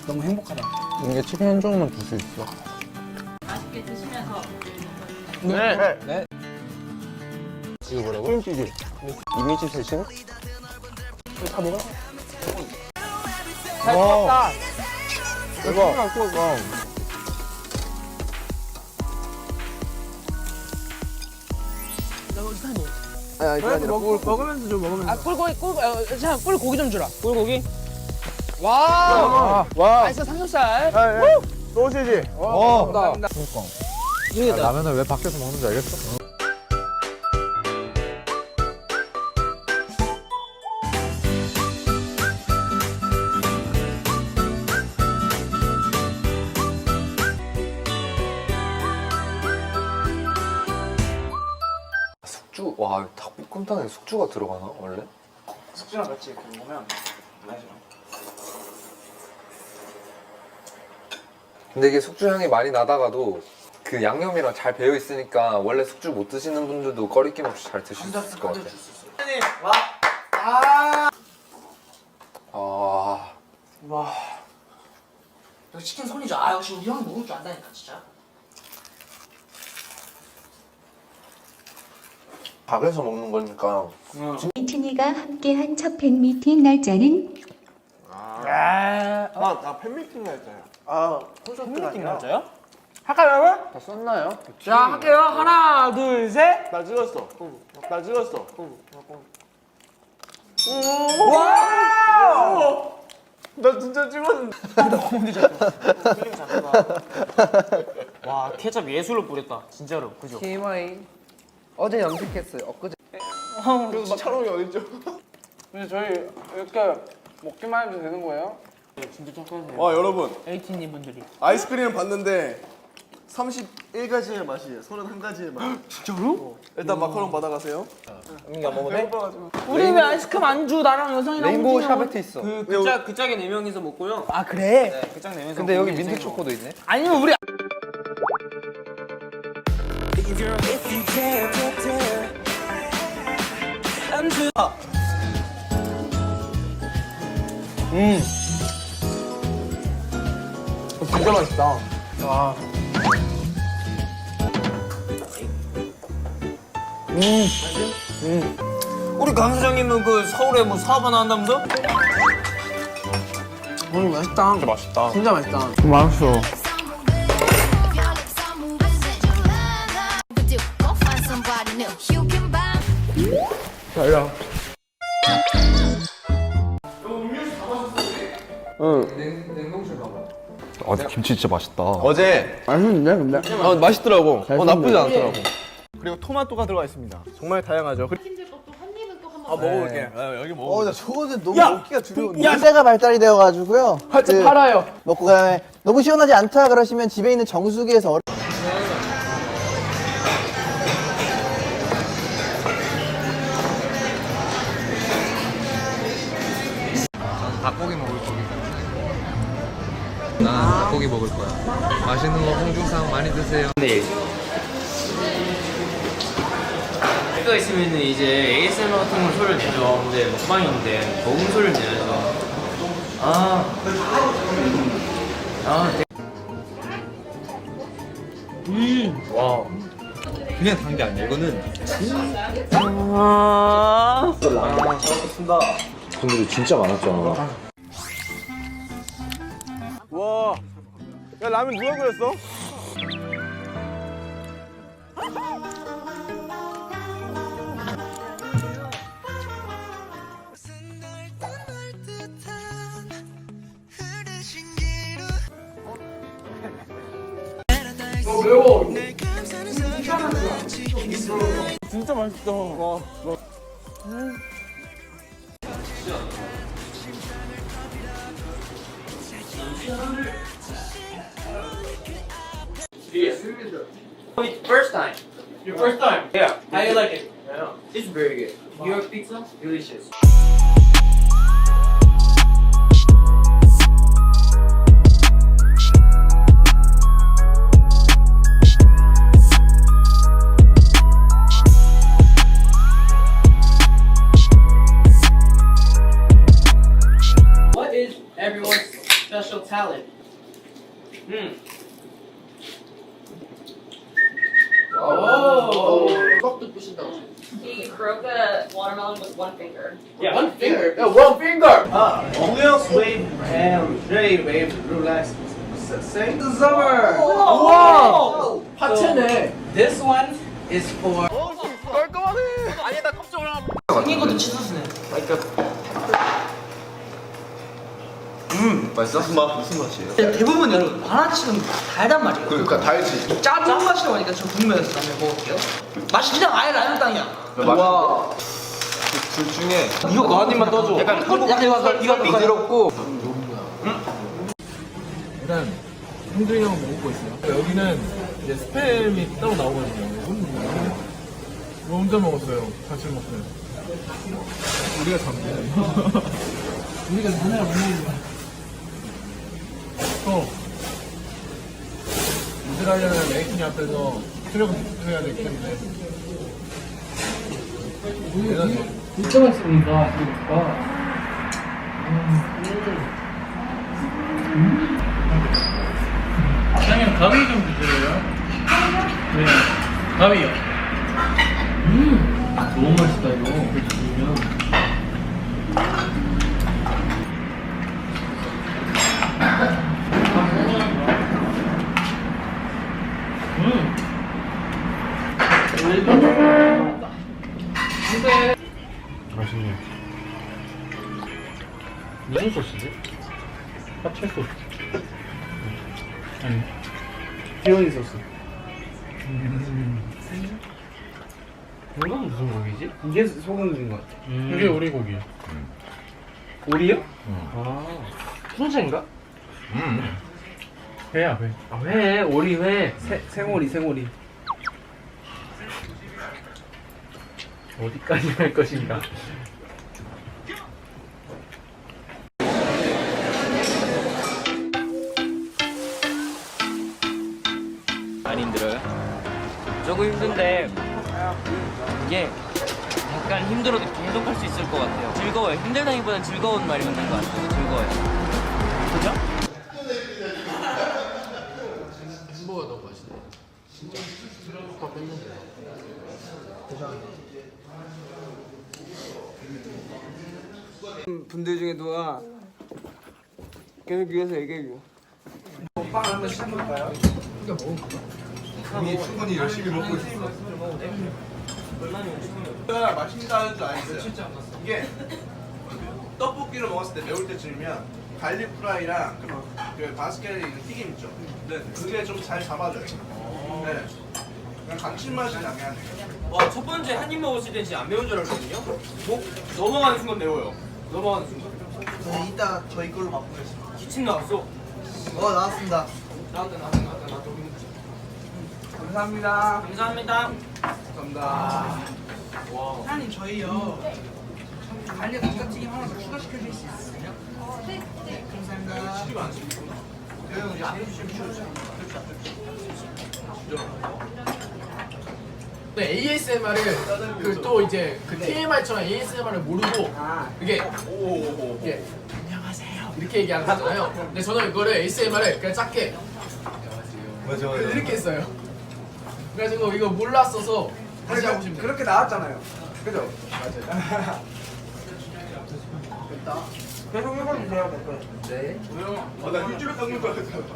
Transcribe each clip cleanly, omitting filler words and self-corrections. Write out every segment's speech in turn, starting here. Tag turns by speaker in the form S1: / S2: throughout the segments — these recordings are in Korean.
S1: 너무 행복하다.
S2: 이게 치킨 한 조각만 줄 수 있어.
S3: 맛있게 드시면서
S1: 네.
S2: 네.
S1: 이거 뭐라고?
S2: 크림치즈. 이미지 세신?
S1: 다 먹어?
S2: 잘 먹었다. 대박.
S1: 아니, 그게 아니라 먹으면서 좀 먹으면서.
S4: 아 꿀 고기 좀 주라. 꿀고기. 와. 맛있어 삼겹살.
S1: 소시지.
S4: 감사합니다.
S2: 그러니까. 라면을 왜 밖에서 먹는지 알겠어?
S5: 숙주, 와 닭볶음탕에 숙주가 들어가나 원래?
S1: 숙주랑 같이 이렇게 먹으면 맛있어.
S5: 근데 이게 숙주 향이 많이 나다가도 그 양념이랑 잘 배어 있으니까 원래 숙주 못 드시는 분들도 꺼리낌 없이 잘 드실 수 있을 것 같아요.
S4: 와. 여기 치킨 손이죠. 아 역시 우리 형이 먹을 줄 안다니까 진짜.
S5: 밥에서 먹는 거니까.
S6: 이춘희가 함께한 첫 팬미팅 날짜는
S1: 나 팬미팅 날짜야. 콘서트가 아니라.
S4: 맞아요? 할까요?
S5: 다 썼나요?
S4: 자 할게요. 하나 둘 셋.
S1: 나 찍었어. 나 찍었어.
S4: 와.
S1: 나 진짜 찍었는데.
S4: 와 케첩 예술로 뿌렸다. 진짜로 그죠?
S7: TMI 어제 염색했어요. 엊그제.
S1: 그래서 막 촬영이 어딨죠?
S7: 근데 저희 이렇게 먹기만 해도 되는 거예요?
S4: 진짜 착하세요.
S1: 와 여러분
S4: 에이티님 분들이.
S1: 아이스크림을 봤는데 31가지의 맛이에요. 31가지의 맛.
S4: 진짜로?
S1: 일단 마카롱 받아가세요.
S2: 민기 안 먹어도 돼?
S1: 배고파가지고.
S4: 우리 왜 아이스크림 안 주? 나랑 여성이랑
S7: 레인보우
S4: 홍진이 형.
S7: 샤베트 있어.
S8: 그 짝에 4명이서 먹고요.
S4: 아 그래?
S8: 네, 그 짝 4명이서
S7: 근데 여기 민트 초코도 있네.
S4: 아니면 우리
S1: 진짜 맛있다.
S8: 우리 강 사장님은 그 서울에 뭐 사업 하나 한다면서?
S1: 맛있다.
S2: 진짜 맛있다.
S1: 진짜 맛있다.
S2: 맛있어.
S6: 달라.
S5: 냉동실 가봐.
S2: 아, 김치 진짜 맛있다.
S1: 어제
S7: 맛있는데 근데?
S1: 맛있더라고.
S7: 나쁘지 않더라고.
S1: 그리고 토마토가 들어가 있습니다. 정말 다양하죠.
S3: 치킨들 것도 한 입은 또 한번
S1: 먹어볼게. 여기 먹어.
S7: 나 저거는 너무 먹기가 두려운데. 세제가 발달이 되어가지고요.
S4: 팔아요.
S7: 먹고 그다음에 너무 시원하지 않다 그러시면 집에 있는 정수기에서
S5: 닭고기 먹을 거기 때문에. 난 닭고기 먹을 거야. 맛있는 거 홍중상 많이 드세요.
S8: 네. 가 있으면은 이제 ASMR 같은 걸 소리를 내죠. 근데 먹방인데 먹은 소리를 내야죠.
S5: 와. 그냥 단 게 아니야. 이거는
S2: 분들이 진짜 많았잖아.
S1: 와. 야 라면 누가 끓였어? 진짜 맛있다. 와.
S8: First time. Your first time? Yeah. How do you like it? Yeah. It's very good. New York pizza, delicious. What is everyone's special talent? salad.
S4: 떡도 부신다고.
S3: He broke the watermelon with one finger.
S8: Yeah.
S4: One finger. Yeah, one finger.
S8: Who else wave Jay wave relax? Say the summer.
S4: 우와. 하체네.
S8: This one is for.
S4: 생긴 것도 치즈스네.
S2: 맛있어? 무슨 맛? 무슨 맛이에요?
S4: 대부분 여러분 바나치는 달단 말이에요.
S2: 그러니까 달지.
S4: 짜증 맛이라고 하니까 저 궁금해서 한번 먹어볼게요. 맛이 그냥 아예 라면 땅이야.
S2: 와. 둘 중에
S4: 이거 한 입만 떠줘. 약간 이거
S2: 부드럽고.
S1: 일단 형준이 형은 먹고 있어요. 여기는 이제 스팸이 따로 나오거든요. 뭐 혼자 먹었어요. 같이 먹어요. 우리가 잡네. 우리가 자네가 못 먹는 거야. 또 이스라엘은 메이킹 앞에서 출력을 해야 되기 때문에
S7: 진짜 맛있으니까 그러니까. 사장님 가위 좀 주세요. 네, 가위요. 너무 맛있다 이거. 그렇게 보면.
S1: 맛있네. 무슨 소스지? 파채 소스. 아니, 피오니 소스. 이건 무슨 고기지? 이게 소고기인 것 같아. 이게 오리 고기. 오리요? 아, 순채인가? 회야 회. 아 회, 오리 회. 생오리 생오리. 어디까지 할 것인가?
S8: 많이 힘들어요? 조금 힘든데 이게 약간 힘들어도 계속 할 수 있을 것 같아요. 즐거워요. 힘들다기보단 즐거운 말이 맞는 것 같아요. 즐거워요. 그죠?
S4: 햄버거 너무 맛있네. 진짜. 밥 뺐는데.
S1: 분들 중에 누가 계속 위해서 얘기해줘.
S4: 빵 한번 시작해볼까요? 이거 먹을까?
S2: 이미 충분히 열심히 먹고 있어.
S9: 제가 맛있다 하는 줄 알았어요. 이게 떡볶이를 먹었을 때 매울 때쯤이면 갈릭 프라이랑 그 바스켓에 있는 튀김 있죠. 네, 그게 좀 잘 잡아줘요. 네, 그냥 감칠맛이 나게 하네요.
S8: 와, 첫 번째 한 입 먹었을 때 진짜 안 매운 줄 알았거든요. 넘어가는 순간 매워요. 넘어가는 순간.
S4: 이따 저희 걸로 맛보겠습니다.
S8: 기침 나왔어.
S4: 나왔습니다.
S8: 나왔다.
S1: 감사합니다.
S8: 감사합니다.
S1: 감사합니다.
S4: 사장님 저희요 갈릭 감자튀김 하나 더 추가시켜 주실 수 있으세요? 네. 감사합니다.
S9: 튀김 안 시키구나.
S4: 여기 앞에 주시면
S1: 네, ASMR을 그 또 이제 그 TMI처럼 ASMR을 모르고 이게 안녕하세요 이렇게 얘기하는 거잖아요. 근데 저는 이거를 ASMR을 그냥 작게
S2: 맞아.
S1: 이렇게 했어요. 그래가지고 이거 몰랐어서 다시 하고 싶네요.
S9: 그렇게 나왔잖아요. 그죠?
S1: 맞아요.
S9: 됐다. 계속 해봐주세요, 댓글.
S1: 네.
S9: 나 일주일에 깎는 거 같아.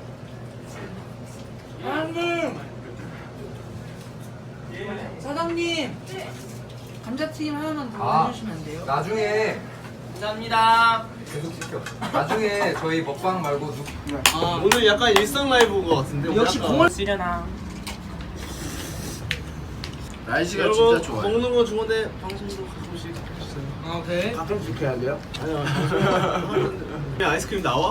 S4: 사장님 감자튀김 하나만 더 해주시면 안 돼요?
S5: 나중에
S8: 감사합니다.
S5: 계속 시켜. 나중에 저희 먹방 말고
S9: 오늘 약간 일상 라이브인 것 같은데.
S4: 역시 국물
S8: 쓰려나.
S1: 날씨가 진짜 좋아요.
S9: 먹는 거 좋은데 방송도 가끔씩 해주세요.
S4: 오케이.
S1: 가끔씩 해야 돼요?
S9: 아니요. 아이스크림 나와?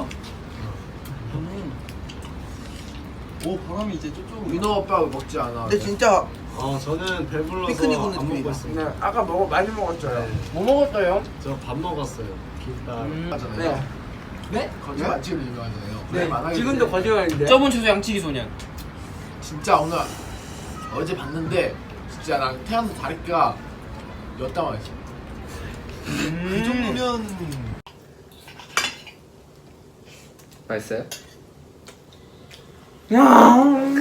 S9: 오, 바람이 이제 저쪽으로.
S1: 민호 오빠 먹지 않아.
S4: 근데 진짜
S9: 저는 배불러서
S4: 피크닉 오는
S9: 안 먹고
S4: 느낌이다.
S9: 있습니다.
S1: 네, 아까 많이 먹었어요.
S9: 네.
S1: 뭐 먹었어요?
S9: 저 밥 먹었어요. 김밥.
S1: 네.
S4: 네?
S1: 거짓말 맛집을 유명하잖아요.
S4: 네,
S1: 만화에
S4: 지금도
S1: 있는데
S4: 거짓말인데.
S8: 저번 주소 양치기 소년.
S1: 진짜 오늘 어제 봤는데 진짜 난 태어나서 다리가 몇 땀 왔어.
S9: 그 정도면
S5: 맛있어요?
S7: 야.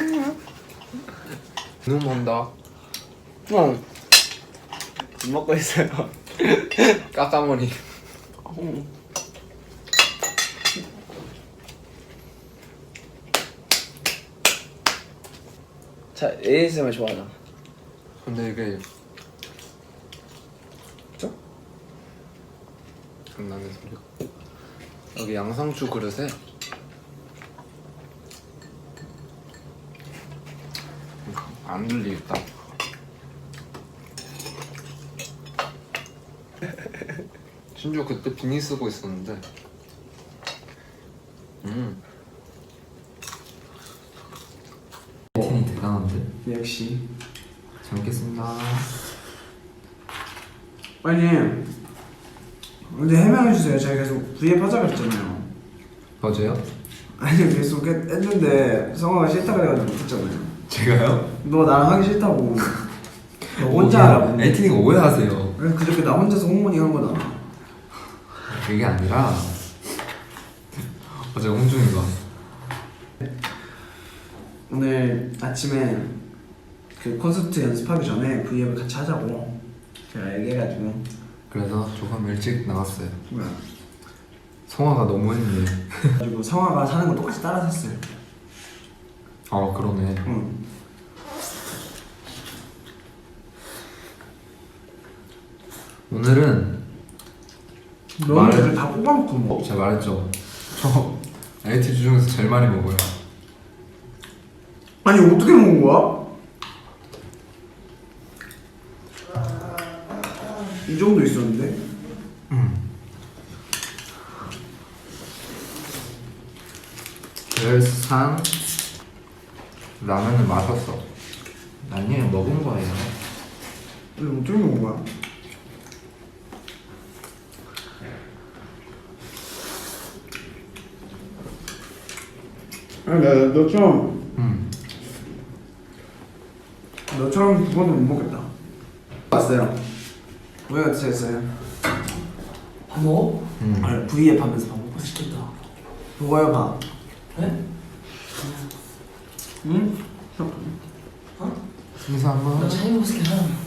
S5: 눈 온다.
S7: 응. 먹고 있어요.
S5: 까까머리.
S7: 자, ASMR 좋아하잖아.
S5: 근데 이게 장난의 소리가 여기 양상추 그릇에 안 들리겠다. 심지어 그때 비니 쓰고 있었는데 에틴이 대단한데?
S7: 역시.
S5: 잘 먹겠습니다.
S7: 아니, 근데 해명해주세요. 제가 계속 V앱 하자고 했잖아요.
S5: 맞아요?
S7: 아니, 계속 했는데 성화가 싫다 그래가지고 못했잖아요.
S5: 제가요?
S7: 너 나랑 하기 싫다고. 너 혼자 하라고.
S5: 에틴이가 오해하세요.
S7: 그래서 그저께 나 혼자서 홍문이 한 거다.
S5: 그게 아니라 어제 홍준이가
S7: 오늘 아침에 그 콘서트 연습하기 전에 V앱을 같이 하자고 제가 얘기해가지고.
S5: 그래서 조금 일찍 나왔어요.
S7: 뭐야.
S5: 성화가 너무 했네.
S7: 그리고 성화가 사는 거 똑같이 따라 샀어요.
S5: 아 그러네.
S7: 응.
S5: 오늘은
S7: 너는 애들 다 뽑아놓고 먹어.
S5: 제가 말했죠. 저 AT 중에서 제일 많이 먹어요.
S7: 아니 어떻게 먹은 거야? 이 정도 있었는데?
S5: 그래서 산 라면을 마셨어. 아니 먹은 거예요.
S7: 근데 어떻게 먹은 거야? 아니 너처럼 두 번은 못 먹겠다. 왔어요. 왜 같이 했어요?
S4: 밥 먹어?
S7: 아니 V앱 하면서 밥 먹고
S4: 맛있겠다.
S7: 먹어요 밥.
S4: 네?
S7: 응?
S5: 순서 한번.
S4: 나 차이 먹었을 때 하나.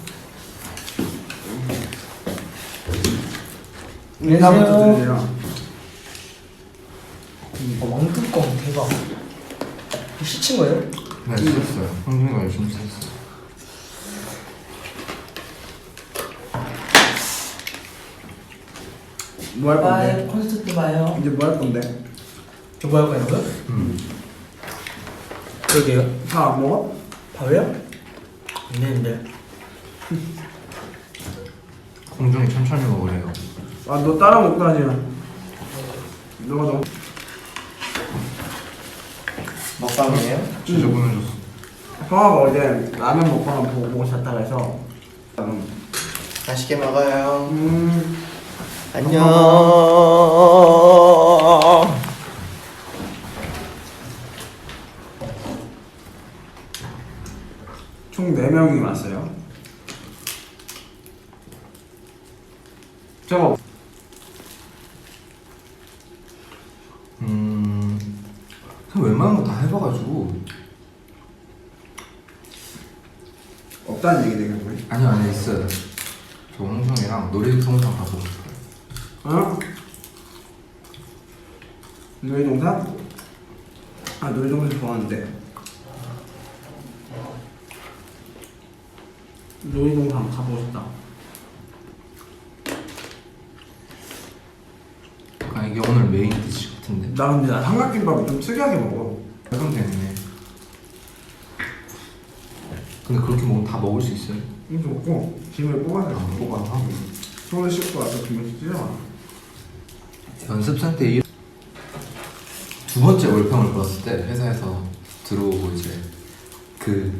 S7: 인사부터 드려요.
S4: 왕뚜껑 대박. 이거 시친 거예요?
S5: 네 썼어요. 홍준이가 열심히 썼어요.
S7: 뭐 할 건데?
S4: 콘서트 때 봐요.
S7: 이제 뭐 할 건데?
S4: 저 뭐 할 거냐고요? 그러게요.
S7: 다 안 먹어?
S4: 밥이요? 안 되는데.
S5: 홍준이 천천히 먹으래요.
S7: 아 너 따라 먹다니. 너가 너무
S4: 먹방이에요?
S5: 진짜 보내줬어.
S7: 형아가 어제 라면 먹방을 보고 잤다고 해서
S4: 맛있게 먹어요.
S7: 안녕. 총 4명이 왔어요. 저거
S5: 그냥 웬만한 거 다 해봐가지고.
S7: 없다는 얘기 되겠네.
S5: 아니요 있어요. 저 홍준이랑 놀이동산 가보고 싶어요.
S7: 어? 놀이동산? 아 놀이동산 좋아하는데 놀이동산 가보고 싶다.
S5: 아 이게 오늘 메인 디시 같은데.
S7: 나 근데 나 삼각김밥을 좀 특이하게 먹어.
S5: 그럼 되네. 근데 그렇게 먹으면 다 먹을 수 있어요?
S7: 이거 먹고 김을 뽑아서
S5: 뽑아서
S7: 손을 씻고 와서 김을 찢어놔.
S5: 연습생 때 두 번째 월평을 불었을 때 회사에서 들어오고 이제 그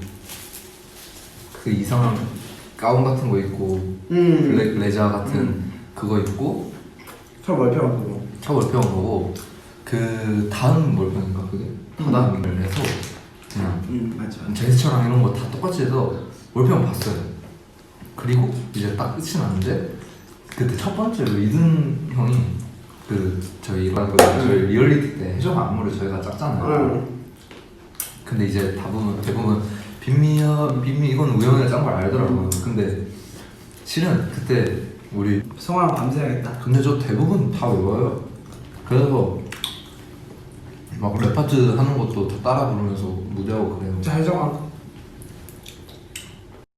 S5: 이상한 가운 같은 거 입고 블랙 레자 같은 그거 입고
S7: 첫 월평을 보고
S5: 첫 월평 보고 그 다음 월평인가 그게 다다음을 해서 그냥
S7: 맞아.
S5: 제스처랑 이런 거 다 똑같이 해서 월평 봤어요. 그리고 이제 딱 끝이 났는데 그때 첫 번째로 이든 형이 그 저희 저희 리얼리티 때 해적 안무를 저희가 짰잖아요. 근데 이제 대부분 빈미 이건 우영이가 짠 걸 알더라고요. 근데 실은 그때 우리
S7: 성화랑 밤새야겠다.
S5: 근데 저 대부분 다 외워요. 그래서 막 랩 파트 하는 것도 다 따라 부르면서 무대하고 그래요.
S7: 자, 해정아.